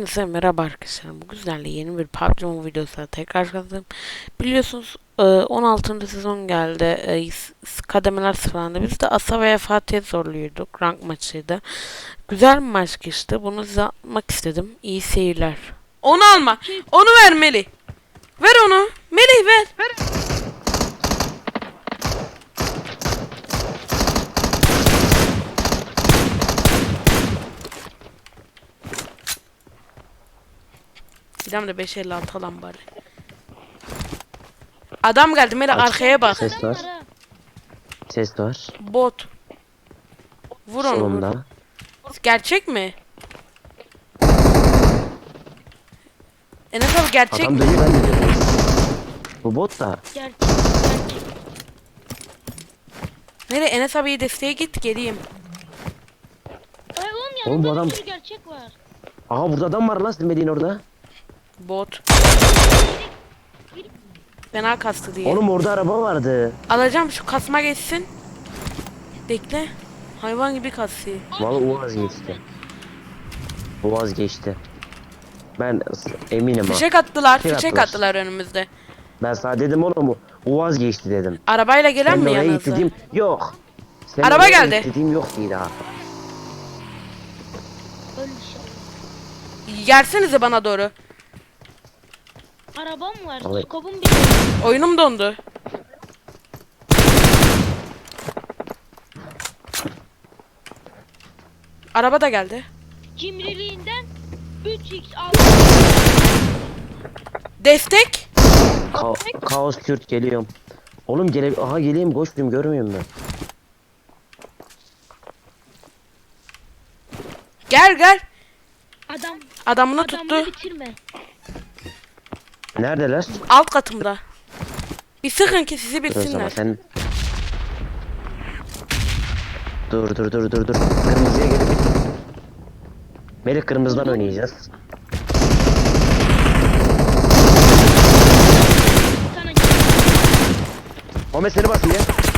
Hepinize merhaba arkadaşlar. Bu güzel yeni bir PUBG Mobile videosuyla tekrar karşınızdayım. Biliyorsunuz 16. sezon geldi. Kademeler sıralandı. Biz de Asa veya Fatih'e zorluyorduk. Rank maçıydı. Güzel bir maç geçti. Bunu size atmak istedim. İyi seyirler. Onu alma. Onu ver Melih. Ver onu. Melih ver. Bir de 556 alan bari. Adam geldi Melih, arkaya bak. Ses var. Ses var. Bot. Vur onu. Vur. Solumda. Gerçek mi? Enes abi gerçek Adam mi? dönüyor, ben de dönüyorum. Bu bot da. Gerçek. Nereye? Enes abiye desteğe git, geleyim. Ay oğlum Oğlum yanında bu adam- bir sürü gerçek var. Aha burada adam var lan, Silmediğin orada. Bot. Fena kastı diye. Oğlum orada araba vardı. Alacağım, şu kasma geçsin. Bekle. Hayvan gibi kasıyor. Vallahi o vazgeçti. O vazgeçti. Ben eminim ha. Fişek attılar. Fişek Fişek attılar. attılar önümüzde. Ben sana dedim oğlum, o vazgeçti dedim. Arabayla gelen mi oraya yanınıza? git dediğim yok. Sen Araba oraya geldi. git dediğim yok değil ha. Öyle bir şey. Gelsenize bana doğru. Arabam var. Vallahi- Skopum bir. Oyunum dondu. Araba da geldi. Cimriliğinden 3x aldım. Destek. Kaos Kürt geliyorum. Oğlum aha geleyim, koştum, görmüyor musun? Gel gel. Adam. Adamını Adamı tuttu. bitirme. Neredeler? Alt katımda. Bir sıkın ki sizi Dur o zaman bitsinler. sen. Dur. Kırmızıya gelip. Melih, kırmızıdan oynayacağız. Sana Ahmet seni basıyor.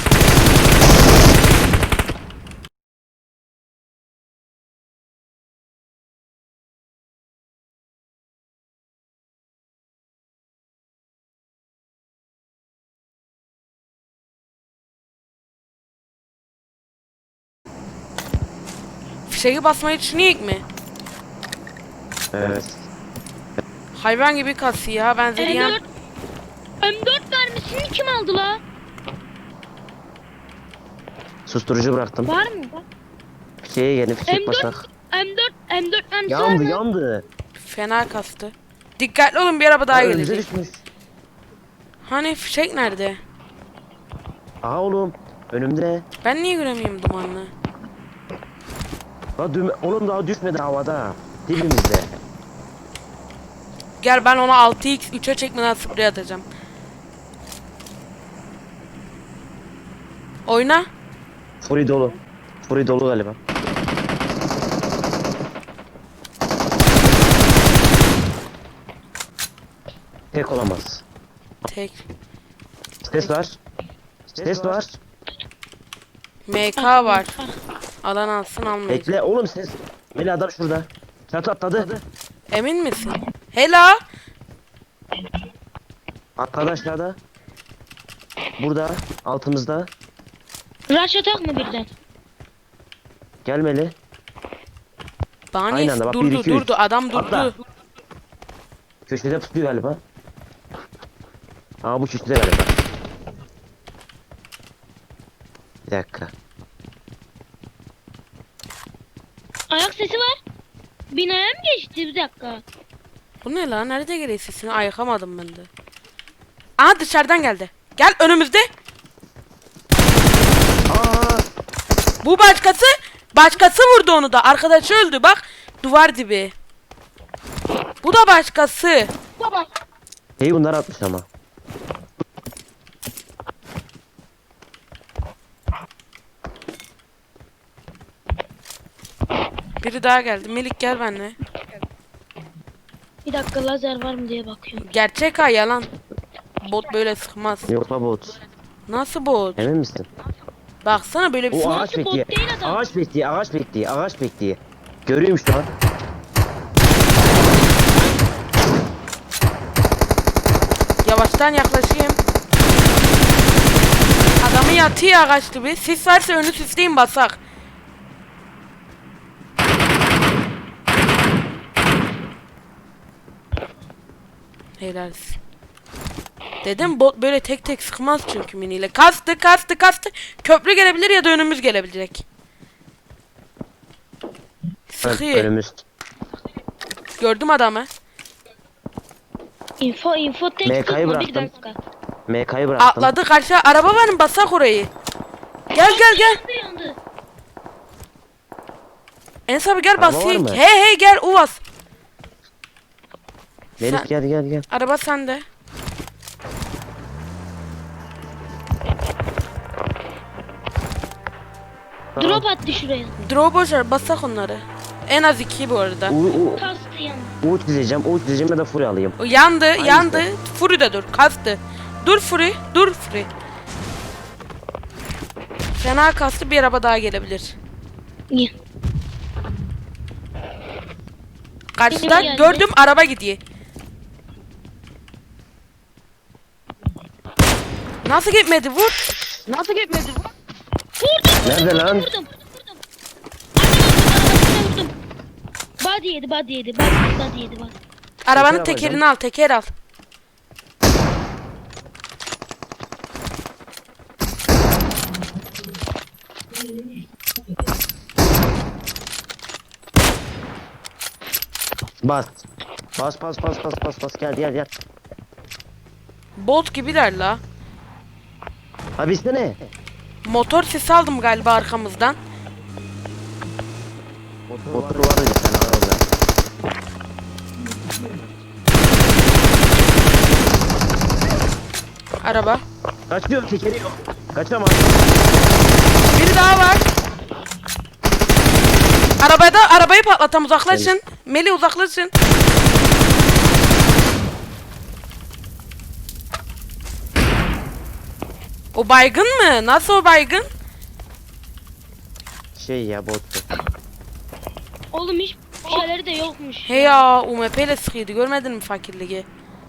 Fişeği basmayı düşünüyor mi? Evet. Hayvan gibi kasıyor ha, ben Zeliyan. M4 mermisini kim aldı la? Susturucu bıraktım. Var mı? Şeye gelin, fişek M4 basak. M4 mermisi var Yandı mı? yandı. Fena kastı. Dikkatli olun, bir araba daha Önümüze gelecek. düşmüş. Hani fişek nerede? Aha oğlum. Önümde. Ben niye göremiyorum dumanlı? Oğlum daha düşmedi havada. Dibimizde. Gel, ben ona 6x 3'e çekmeden sprey atacağım. Oyna. Furi dolu. Furi dolu galiba. Tek olamaz. Tek. Ses var. Ses var. MK var. Alan alsın, almayacak. Bekle oğlum, ses. Melih, adam şurada. Çatı atladı. Emin misin? Hello. Atladı aşağıda. Burada. Altımızda. Rush atak mı birden? Gel Melih. Bani Aynı anda bak, bir, durdu iki, üç. durdu, adam durdu. Atla. Köşede tutuyor galiba. Aa, bu köşede galiba. Bir dakika. Ayak sesi var. Binaya mı geçti, bir dakika? Bu ne lan? Nerede geliyor sesini? Ayıkamadım ben de. Aha, dışarıdan geldi. Gel önümüzde. Aa! Bu başkası. Başkası vurdu onu da. Arkadaşı öldü bak. Duvar dibi. Bu da başkası. Baba. Hey, bunlar atmış ama. Biri daha geldi. Melik gel benimle. Bir dakika, lazer var mı diye bakıyorum. Gerçek ha, yalan. Bot böyle sıkmaz. Yok la bot. Nasıl bot? Emin misin? Baksana böyle bir O sıkı. ağaç bot bekliyor. değil adam. Ağaç bekliyor. Ağaç bekliyor. Ağaç bekliyor. Görüyorum şu an. Ağaçtan yaklaşayım. Adamı yatıyor ağaç gibi. Sis varsa önü sisleyin basak. Helal. Dedim bot böyle tek tek sıkmaz çünkü miniyle. Kastı. Köprü gelebilir ya da önümüz gelebilecek. Sıkıyor. Önümüz. Gördüm adamı. Info tek MK'yı tutma bir bıraktım. dakika. MK'yı bıraktım. Atladı karşı. Araba var mı? Basak orayı. Gel. Yandı. Enes abi gel Araba var basayım. mı? Hey gel Uvas. Melih Sen- gel. Araba sende. Drop attı şuraya. Draw boşver basak onları. En az 2 bu arada. Kastı yandı. Uğut dizeceğim ya da fury alayım. O yandı. Hangisi? Fury de dur. Kastı. Dur Fury. Fena kastı, bir araba daha gelebilir. Niye? Karşıda geldi. gördüm araba gidiyor. Nasıl gitmedi vur. Nerede lan? Vurdum. Arabasına vurdum. Body yedi. Body yedi. Arabanın Teker tekerini al, teker al. Bas. Bas gel. Bolt gibiler la. Abi istene. Motor sesi aldım galiba arkamızdan. Motor var ya sen arada. Araba. Kaçıyor tekeri yok. Kaçamaz. Biri daha var. Arabayı patlatam, uzaklaşın. Meli uzaklaşın. O baygın mı? Nasıl o baygın? Şey ya bottu. Oğlum hiç şeyleri de yokmuş. He ya, UMP ile sıkıyordu, görmedin mi fakirliği?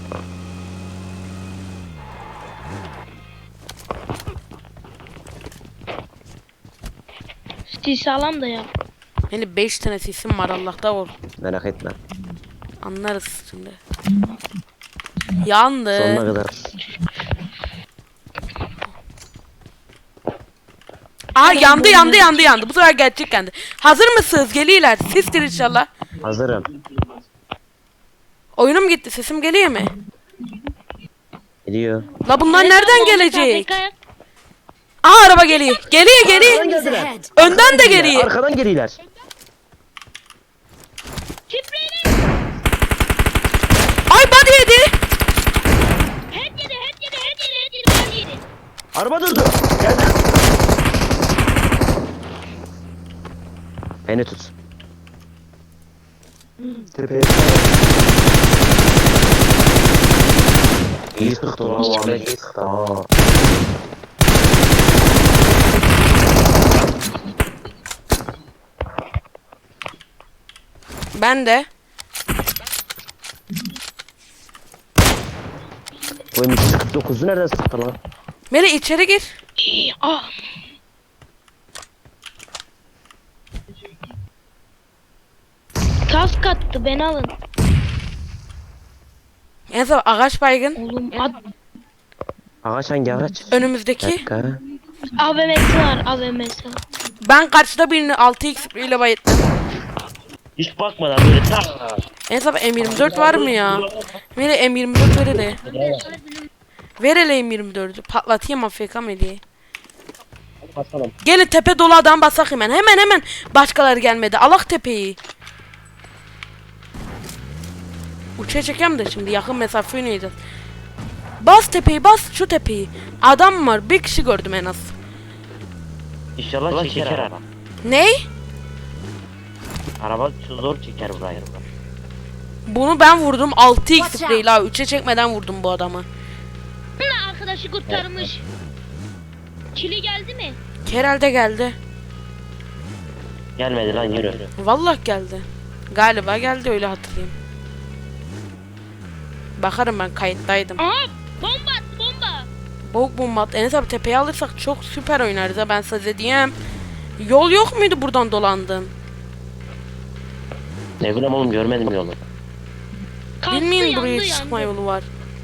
Stil sağlam da ya. Hani 5 tane sesim var, Allah'ta ol. Merak etme. Anlarız şimdi. Yandı. Sonuna kadar. Aa yandı. Bu sefer gerçek yandı. Hazır mısınız? Geliyorlar. Sestir inşallah. Hazırım. Oyunum gitti. Sesim geliyor mu? Geliyor. La bunlar nereden gelecek? AFK. Aa araba geliyor. Geliyor. Arkadan geldiler. Önden de geliyor. Arkadan geliyorlar. Küpreyle. Ay body yedi. Head yedi. Body yedi. Araba durdu. Geldi. Beni tut. Tepeye. İyi sıktı lan o Ahmet, iyi sıktı ha. Ben de. Bu M249'u nereden sıktı lan? Meri içeri gir. Ah. Kask attı, beni alın. En son ağaç baygın. Oğlum Ağaç hangi ağaç? Önümüzdeki. Dakika. AVM'si var, AVM'si var. Ben karşıda birini 6x ile bayılttım. Hiç bakmadan böyle tak. En son M24 var mı ya? Meri M24 ver hele. Ver hele M24'ü. Patlatayım AFK Meri'yi. Basalım. Gelin tepe dolu adam basak hemen. Hemen. Başkaları gelmedi. Alak tepeyi. Uçağa çekeyim de şimdi yakın mesafe oynayacağız. Bas tepeyi, bas şu tepeyi. Adam var. Bir kişi gördüm en az. İnşallah çeker araba. Ney? Araba zor çeker burayı. Bunu ben vurdum. 6x spreyle ha. 3'e çekmeden vurdum bu adamı. Bunun arkadaşı kurtarmış. Çili geldi mi? Herhalde geldi. Gelmedi lan yürü. Vallahi geldi. Galiba geldi, öyle hatırlayayım. Bakarım, ben kayıttaydım. Aa, Bomba attı bomba. Boğuk bomba at. Enes abi tepeyi alırsak çok süper oynarız ha, ben size diyeyim. Yol yok muydu buradan dolandın? Ne bileyim oğlum, görmedim yolu. Kastı, Bilmeyin buraya yandı, çıkma yandı. yolu var.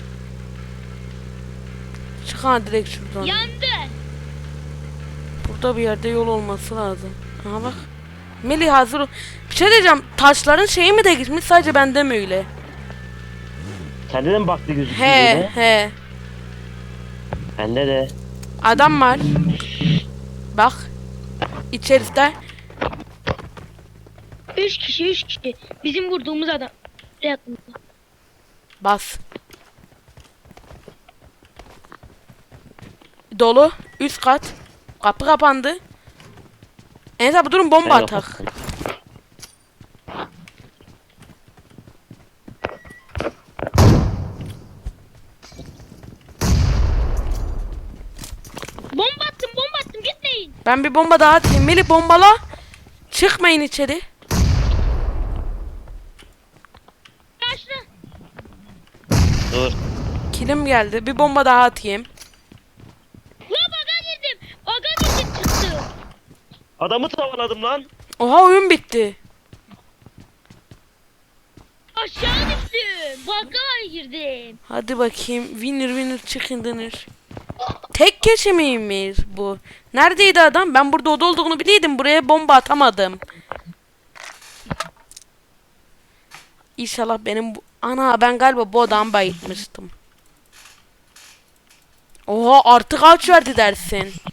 Çık ha direkt şuradan. Yandı. Burada bir yerde yol olması lazım. Aha bak. Melih hazır ol. Bir şey diyeceğim. Taşların şeyi mi değişmiş, sadece bende mi öyle? Sende de mi baktı gözüküyor He böyle? he. Bende de. Adam var. Bak. İçeride. 3 kişi 3 kişi. Bizim vurduğumuz adam. Yakında. Bas. Dolu. Üst kat. Kapı kapandı. Enes abi durun, bomba Ben atak. kapattım. Bomba attım gitmeyin. Ben bir bomba daha atayım. Melih bombala. Çıkmayın içeri. Karşına. Dur. Kilim geldi. Bir bomba daha atayım. La baga girdim. Baga girdim çıktı. Adamı tavaladım lan. Oha, oyun bitti. Aşağı düştüm. Baga girdim. Hadi bakayım. Winner winner chicken dinner. Tek kişi miymiş bu? Neredeydi adam? Ben burada oda olduğunu biliyordum. Buraya bomba atamadım. İnşallah benim bu... Ana, ben galiba bu odamı bayıltmıştım. Oha, artık kaç verdi dersin?